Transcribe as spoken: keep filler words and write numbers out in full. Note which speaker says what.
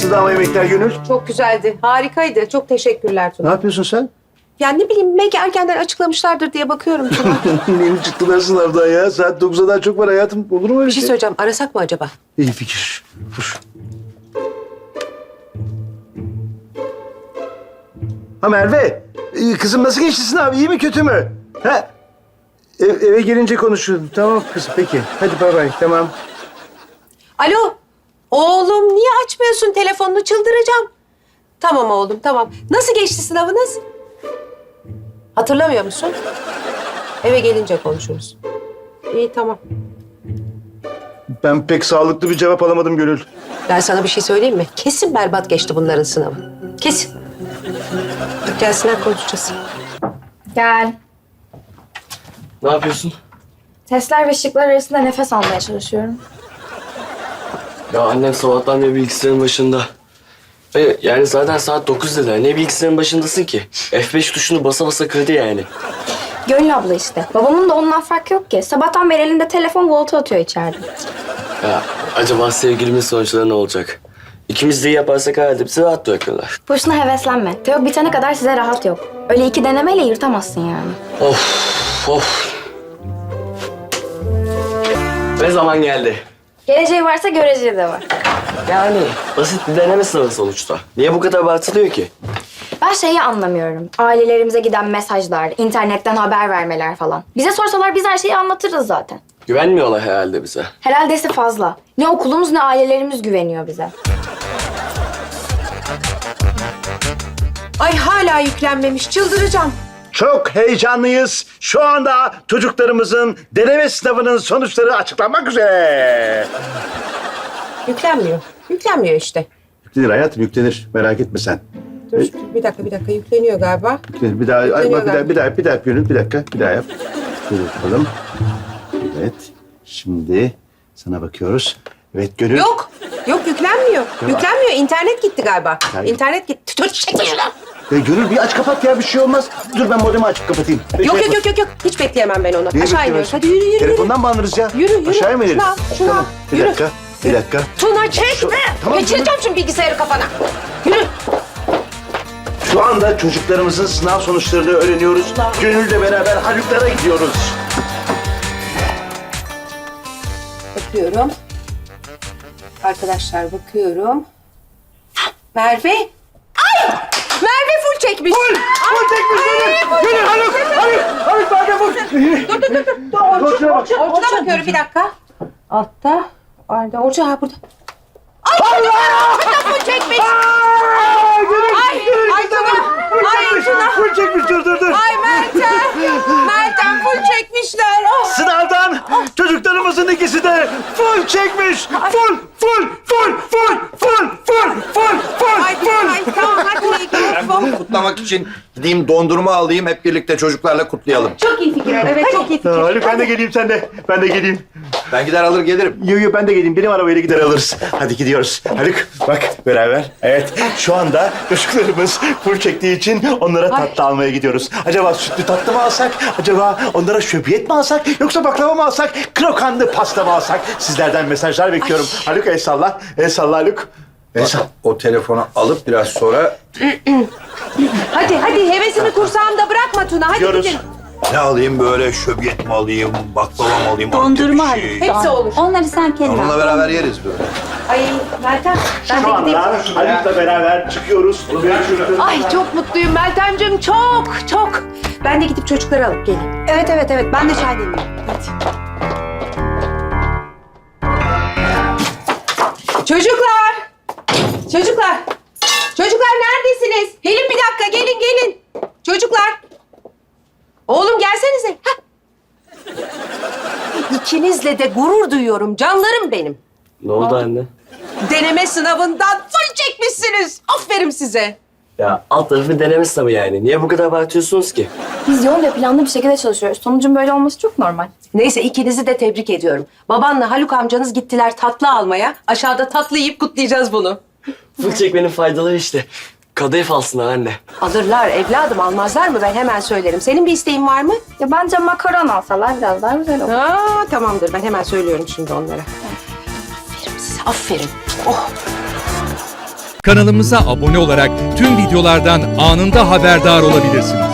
Speaker 1: Nasıldı ama yemekler Gönül?
Speaker 2: Çok güzeldi. Harikaydı. Çok teşekkürler
Speaker 1: Ne
Speaker 2: Tuna.
Speaker 1: yapıyorsun sen?
Speaker 2: Yani ne bileyim belki erkenden açıklamışlardır diye bakıyorum Tuna.
Speaker 1: Yeni çıktılar sınavdan ya. Saat dokuz'a daha çok var hayatım. Olur mu öyle
Speaker 2: Bir şey
Speaker 1: şey?
Speaker 2: söyleyeceğim. Arasak mı acaba?
Speaker 1: İyi fikir. Dur. Ha Merve, ee, kızım nasıl geçti sınav? İyi mi kötü mü? Ha? Ev- eve gelince konuşuruz. Tamam kızım peki. Hadi bay bay tamam.
Speaker 2: Alo. Oğlum niye açmıyorsun telefonunu? Çıldıracağım. Tamam oğlum tamam. Nasıl geçti sınavınız? Hatırlamıyor musun? Eve gelince konuşuruz. İyi tamam.
Speaker 1: Ben pek sağlıklı bir cevap alamadım Gönül.
Speaker 2: Ben sana bir şey söyleyeyim mi? Kesin berbat geçti bunların sınavı. Kesin. Dur gelsinler konuşacağız.
Speaker 3: Gel.
Speaker 4: Ne yapıyorsun?
Speaker 3: Testler ve şıklar arasında nefes almaya çalışıyorum.
Speaker 4: Ya annem sabahtan beri bilgisayarın başında. Ve yani zaten saat dokuz dediler. Ne bilgisayarın başındasın ki? F beş tuşunu basa basa kırdı yani.
Speaker 3: Gönül abla işte. Babamın da ondan farkı yok ki. Sabahtan beri elinde telefon volta atıyor içeride.
Speaker 4: Ya acaba sevgilimin sonuçları ne olacak? İkimiz de iyi yaparsak herhalde bizi rahat bırakırlar.
Speaker 3: Boşuna heveslenme. Teok bitene kadar size rahat yok. Öyle iki denemeyle yırtamazsın yani.
Speaker 4: Of of. Ne zaman geldi?
Speaker 3: Geleceği varsa göreceği de var.
Speaker 4: Yani basit bir deneme sınavı sonuçta. Niye bu kadar abartılıyor ki?
Speaker 3: Ben şeyi anlamıyorum. Ailelerimize giden mesajlar, internetten haber vermeler falan. Bize sorsalar biz her şeyi anlatırız zaten.
Speaker 4: Güvenmiyorlar herhalde bize.
Speaker 3: Herhaldesi fazla. Ne okulumuz ne ailelerimiz güveniyor bize.
Speaker 2: Ay hala yüklenmemiş. Çıldıracağım.
Speaker 1: Çok heyecanlıyız. Şu anda çocuklarımızın deneme sınavının sonuçları açıklanmak üzere.
Speaker 2: Yüklenmiyor. Yüklenmiyor işte.
Speaker 1: Yüklenir hayatım yüklenir. Merak etme sen.
Speaker 2: Dur bir dakika bir dakika yükleniyor galiba.
Speaker 1: Yüklenir. Bir daha, ay,
Speaker 2: Yükleniyor
Speaker 1: bak, bir daha,
Speaker 2: galiba.
Speaker 1: bir daha, bir daha Gönül, bir dakika, bir daha yap. Şöyle yapalım. Evet. Şimdi sana bakıyoruz. Evet Gönül.
Speaker 2: Yok. Yok yüklenmiyor. Yüklenmiyor. İnternet gitti galiba.
Speaker 1: Hayır.
Speaker 2: İnternet gitti. Dur çekil şuradan.
Speaker 1: Ya Gönül bir aç kapat ya bir şey olmaz. Dur ben modemi açıp kapatayım. Bir
Speaker 2: Yok
Speaker 1: şey
Speaker 2: yok yok yok yok. Hiç bekleyemem ben onu.
Speaker 1: Niye
Speaker 2: Aşağı iniyoruz.
Speaker 1: bekleyemezsin?
Speaker 2: Hadi yürü yürü.
Speaker 1: Telefondan mı alırız ya?
Speaker 2: Yürü, yürü.
Speaker 1: Aşağıya mı ineriz?
Speaker 2: Şunu al, şunu
Speaker 1: Tamam.
Speaker 2: al.
Speaker 1: Bir
Speaker 2: Yürü.
Speaker 1: dakika, bir dakika.
Speaker 2: Tuna çekme.
Speaker 1: Tamam,
Speaker 2: Geçireceğim şimdi bilgisayarı kafana. Yürü.
Speaker 1: Şu anda çocuklarımızın sınav sonuçlarını öğreniyoruz. Gönül'le beraber Haluk'lara gidiyoruz.
Speaker 2: Bakıyorum. Arkadaşlar bakıyorum. Merve. Ay! Merve full çekmiş.
Speaker 1: Full! Full çekmiş Gönül! Gönül Haluk! Haluk! Haluk Merve full!
Speaker 2: Dur dur dur. dur. Orçun, Orçun, Orçun'a bakıyorum bir dakika. Altta. Arda. Orçun ha burada. Ay! Allah! Full çekmiş.
Speaker 1: Aa, Gönül!
Speaker 2: Ay!
Speaker 1: Gönül,
Speaker 2: Ay
Speaker 1: kızım,
Speaker 2: Tuna!
Speaker 1: full
Speaker 2: Ay
Speaker 1: çekmiş,
Speaker 2: Tuna!
Speaker 1: full çekmiş, dur dur dur.
Speaker 2: Ay Meltem! Meltem full çekmişler. Oh.
Speaker 1: Sınavdan çocuklarımızın ikisi de full çekmiş. Full, full, full, full, full, full, full, full,
Speaker 2: Ay,
Speaker 1: full.
Speaker 2: ay tamam hadi
Speaker 5: Ben bunu kutlamak için gideyim dondurma alayım, hep birlikte çocuklarla kutlayalım.
Speaker 2: Çok iyi fikir. Evet çok iyi fikir.
Speaker 1: Ha, Haluk ben de geleyim sen de. Ben de geleyim.
Speaker 5: Ben gider alır gelirim.
Speaker 1: Yo yo ben de geleyim. Benim arabayla gider alırız. Hadi gidiyoruz. Haluk bak beraber. Evet şu anda çocuklarımız full çektiği için onlara tatlı almaya gidiyoruz. Acaba sütlü tatlı mı alsak? Acaba onlara şöbiyet mi alsak? Yoksa baklava mı alsak? Krokanlı pasta mı alsak? Sizlerden mesajlar bekliyorum. Haluk el salla. El salla Haluk. El salla.
Speaker 5: O telefonu alıp biraz sonra
Speaker 2: Hadi hadi hevesini kursağımda bırakma Tuna. Hadi
Speaker 1: Gidiyoruz.
Speaker 2: gidelim.
Speaker 5: ne alayım böyle şöbiyet mi alayım, baklava mı alayım?
Speaker 6: Dondurma
Speaker 5: Antep bir şey.
Speaker 2: Hepsi olur.
Speaker 6: Onları sen kendin
Speaker 5: Onunla
Speaker 6: al.
Speaker 5: beraber yeriz böyle.
Speaker 2: Ay Meltem ben
Speaker 1: Şu
Speaker 2: de gideyim.
Speaker 1: anda Haluk'la beraber çıkıyoruz. Görüşürüz.
Speaker 2: Ay çok mutluyum Meltemciğim çok çok. Ben de gidip çocukları alıp geleyim. Evet evet evet ben de çay demleyeyim. Hadi. Çocuklar! Çocuklar! Çocuklar neredesiniz? Gelin bir dakika gelin gelin. Çocuklar! Oğlum gelsenize. Hah. İkinizle de gurur duyuyorum canlarım benim.
Speaker 4: Ne oldu anne?
Speaker 2: Deneme sınavından full çekmişsiniz. Aferin size.
Speaker 4: Ya alt tarafı deneme sınavı yani. Niye bu kadar abartıyorsunuz ki?
Speaker 3: Biz yoğun ve planlı bir şekilde çalışıyoruz. Sonucun böyle olması çok normal.
Speaker 2: Neyse ikinizi de tebrik ediyorum. Babanla Haluk amcanız gittiler tatlı almaya. Aşağıda tatlı yiyip kutlayacağız bunu.
Speaker 4: Full çekmenin faydaları işte. Kadayıf alsınlar anne.
Speaker 2: Alırlar evladım almazlar mı ben hemen söylerim. Senin bir isteğin var mı?
Speaker 3: Ya bence makaron alsalar biraz daha güzel olur.
Speaker 2: Aa, tamamdır ben hemen söylüyorum şimdi onlara. Aferin size aferin. Oh.
Speaker 6: Kanalımıza abone olarak tüm videolardan anında haberdar olabilirsiniz.